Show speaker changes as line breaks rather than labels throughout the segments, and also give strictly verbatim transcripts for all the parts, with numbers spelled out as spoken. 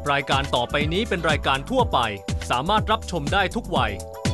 รายการต่อไปนี้เป็นรายการทั่วไปสามารถรับชมได้ทุกวัย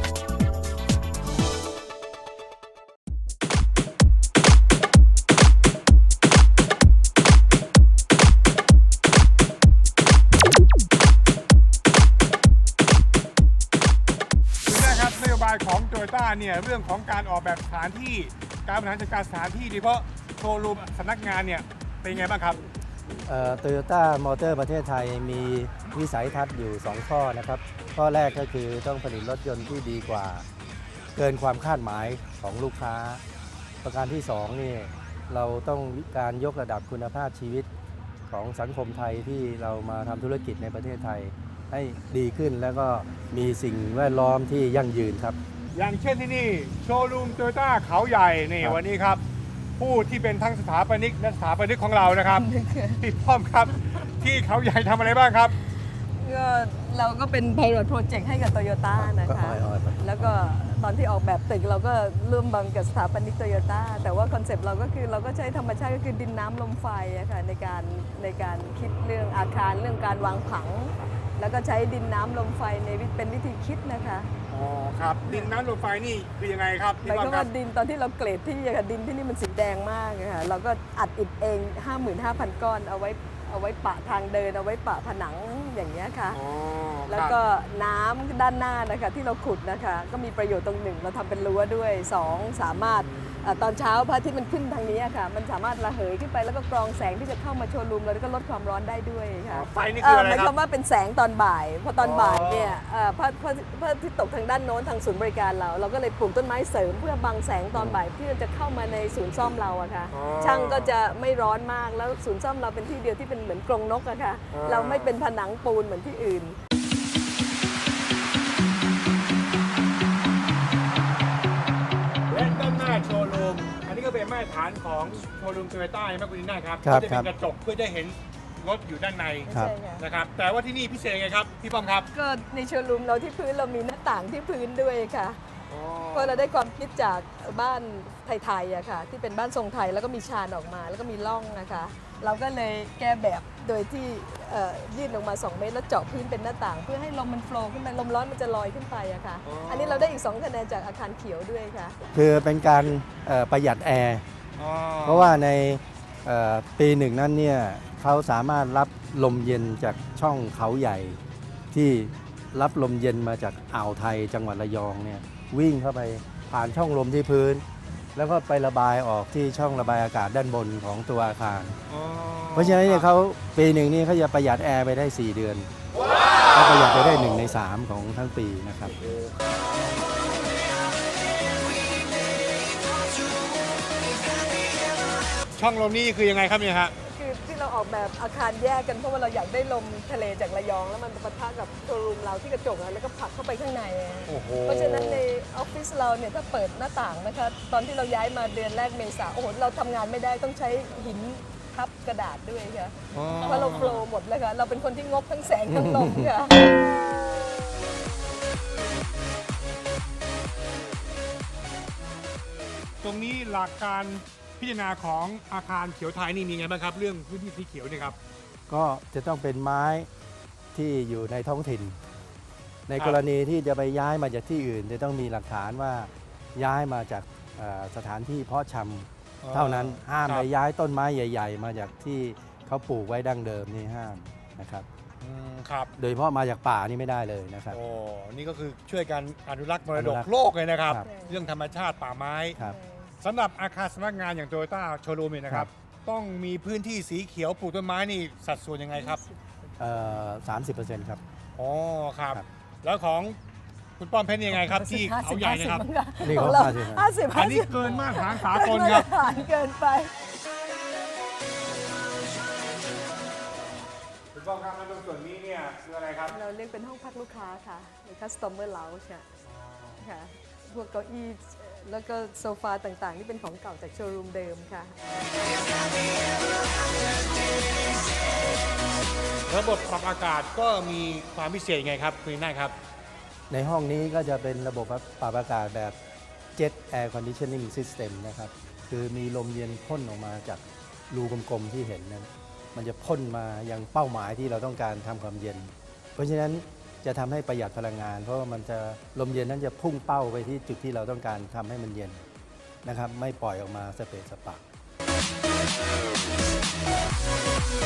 นโยบายของโตโยต้าเนี่ยเรื่องของการออกแบบสถานที่การบริหารจัดการสถานที่โดยเฉพาะโชว์รูมสำนักงานเนี่ยเป็นไงบ้างครับ
โตโยต้ามอเตอร์ประเทศไทยมีวิสัยทัศน์อยู่สองข้อนะครับข้อแรกก็คือต้องผลิตรถยนต์ที่ดีกว่าเกินความคาดหมายของลูกค้าประการที่สองนี่เราต้องการยกระดับคุณภาพชีวิตของสังคมไทยที่เรามาทำธุรกิจในประเทศไทยให้ดีขึ้นแล้วก็มีสิ่งแวดล้อมที่ยั่งยืนครับ
อย่างเช่นที่นี่โชว์รูมโตโยต้าเขาใหญ่นี่วันนี้ครับผู้ที่เป็นทั้งสถาปนิกและสถาปนิกของเรานะครับพี่ป้อมครับที่เขาใหญ่ทำอะไรบ้างครับ
ก็เราก็เป็น Pilot Project ให้กับโตโยต้านะคะแล้วก็ตอนที่ออกแบบตึกเราก็ร่วมบังกับสถาปนิกโตโยต้าแต่ว่าคอนเซปต์เราก็คือเราก็ใช้ธรรมชาติก็คือดินน้ำลมไฟอะค่ะในการในการคิดเรื่องอาคารเรื่องการวางผังแล้วก็ใช้ดินน้ำลมไฟในเป็นวิธีคิดนะคะ
อ๋อครับดินน้ำลมไฟนี่คือยังไงครับ
หมายความว่าดินตอนที่เราเกรดที่ค่ะดินที่นี่มันสีแดงมากค่ะเราก็อัดอิฐเอง ห้าหมื่นห้าพัน ก้อนเอาไว้เอาไว้ปะทางเดินเอาไว้ปะผนังอย่างเงี้ยค่ะแล้วก็น้ำด้านหน้านะคะที่เราขุดนะคะก็มีประโยชน์ตรงหนึ่งเราทำเป็นรั้วด้วยสองสามารถตอนเช้าพระอาทิตย์มันขึ้นทางนี้ค่ะมันสามารถระเหยขึ้นไปแล้วก็กรองแสงที่จะเข้ามาโชว์รูมแล้วก็ลดความร้อนได้ด้วยค่ะ
ไฟนี่คืออะไรครับ
หมายความว่าเป็นแสงตอนบ่ายพอตอนบ่ายเนี่ยพระพระพระอาทิตย์ตกทางด้านโน้นทางศูนย์บริการเราเราก็เลยปลูกต้นไม้เสริมเพื่อบังแสงตอนบ่ายที่จะเข้ามาในศูนย์ซ่อมเราอะค่ะช่างก็จะไม่ร้อนมากแล้วศูนย์ซ่อมเราเป็นที่เดียวที่เป็นเหมือนกรงนกอะค่ะเราไม่เป็นผนังปูนเหมือนที่อื่น
และด้านหน้าโชว์รูมอันนี้ก็เป็นมาตรฐานของโชว์รูมโตโยต้าใช่ไหมคุณนีน่าครับ
ก็
จะเป็นกระจกเพื่อจะเห็นรถอยู่ด้านในนะครับแต่ว่าที่นี่พิเศษไงครับพี่ป้อมครับ
ก็ในโชว์รูมเราที่พื้นเรามีหน้าต่างที่พื้นด้วยค่ะเพราะเราได้ความคิดจากบ้านไทยๆอะค่ะที่เป็นบ้านทรงไทยแล้วก็มีชานออกมาแล้วก็มีร่องนะคะเราก็เลยแก้แบบโดยที่ยื่นลงมาสองเมตรแล้วเจาะพื้นเป็นหน้าต่างเพื่อให้ลมมันโฟล์ขึ้นไปลมร้อนมันจะลอยขึ้นไปอะค่ะอันนี้เราได้อีกสองคะแนนจากอาคารเขียวด้วยค่ะ
คือเป็นการประหยัดแอร์เพราะว่าในปีหนึ่งนั้นเนี่ยเขาสามารถรับลมเย็นจากช่องเขาใหญ่ที่รับลมเย็นมาจากอ่าวไทยจังหวัดระยองเนี่ยวิ่งเข้าไปผ่านช่องลมที่พื้นแล้วก็ไประบายออกที่ช่องระบายอากาศด้านบนของตัวอาคารเพราะฉะนั้นเนี่ยเขาปีหนึ่งนี่เขาจะประหยัดแอร์ไปได้สี่เดือนก็ประหยัดไปได้หนึ่งในสามของทั้งปีนะครับ
ช่องลมนี่คือยังไงครับเนี่ยฮะ
คือที่เราออกแบบอาคารแยกกันเพราะว่าเราอยากได้ลมทะเลจากระยองแล้วมันปะทะกับโชว์รูมเราที่กระจกแล้วก็ผลักเข้าไปข้างในเพราะฉะนั้นในออฟฟิศเราเนี่ยถ้าเปิดหน้าต่างนะคะตอนที่เราย้ายมาเดือนแรกเมษาโอ้โหเราทำงานไม่ได้ต้องใช้หินทับกระดาษด้วยค่ะเพราะเราโฟลว์หมดเลยค่ะเราเป็นคนที่งกทั้งแสงทั้งลมค่ะ
ตรงนี้หลักการพิจารณาของอาคารเขียวไทยนี่มีไงบ้างครับเรื่องพื้นที่สีเขียวนี่ครับ
ก็จะต้องเป็นไม้ที่อยู่ในท้องถิ่นในกรณีที่จะไปย้ายมาจากที่อื่นจะต้องมีหลักฐานว่าย้ายมาจากสถานที่เพาะชำเท่านั้นห้ามไปย้ายต้นไม้ใหญ่ๆมาจากที่เขาปลูกไว้ดั้งเดิมนี่ห้ามนะครับ
ครับ
โดยเฉพาะมาจากป่านี่ไม่ได้เลยนะครับ
โอ้นี่ก็คือช่วยกันอนุรักษ์มรดกโลกเลยนะครับเรื่องธรรมชาติป่าไม้สำหรับอาคารสำนักงานอย่างโตโยต้าโชว์รูมนะครับต้องมีพื้นที่สีเขียวปลูกต้นไม้นี่สัดส่วนยังไงครับ
สามสิบเปอร์เซ็นต์ครับ
อ๋อครับแล้วของคุณป้อมเพชรยังไงครับที่เขาใหญ่นะครับ
นี่
ของ
เรา
ห้าสิบ
อันนี้เกินมากฐานสากลครับ
เกินไป
คุณป้อมครับตรงส่วนนี้เนี่ยคืออะไรครับ
เราเรียกเป็นห้องพักลูกค้าค่ะหรือ customer lounge ค่ะพวกเก้าอี้แล้วก็โซฟาต่างๆที่เป็นของเก่าจากโชว์รูมเดิมค่ะ
ระบบปรับอากาศก็มีความพิเศษไงครับคุณน่าครับ
ในห้องนี้ก็จะเป็นระบบปรับอากาศแบบ Jet Air Conditioning System นะครับคือมีลมเย็นพ่นออกมาจากรูกลมๆที่เห็นนั้นมันจะพ่นมายังเป้าหมายที่เราต้องการทำความเย็น เพราะฉะนั้นจะทำให้ประหยัดพลังงาน เพราะว่ามันจะลมเย็นนั้นจะพุ่งเป้าไปที่จุดที่เราต้องการทำให้มันเย็นนะครับไม่ปล่อยออกมาสเปะสปะ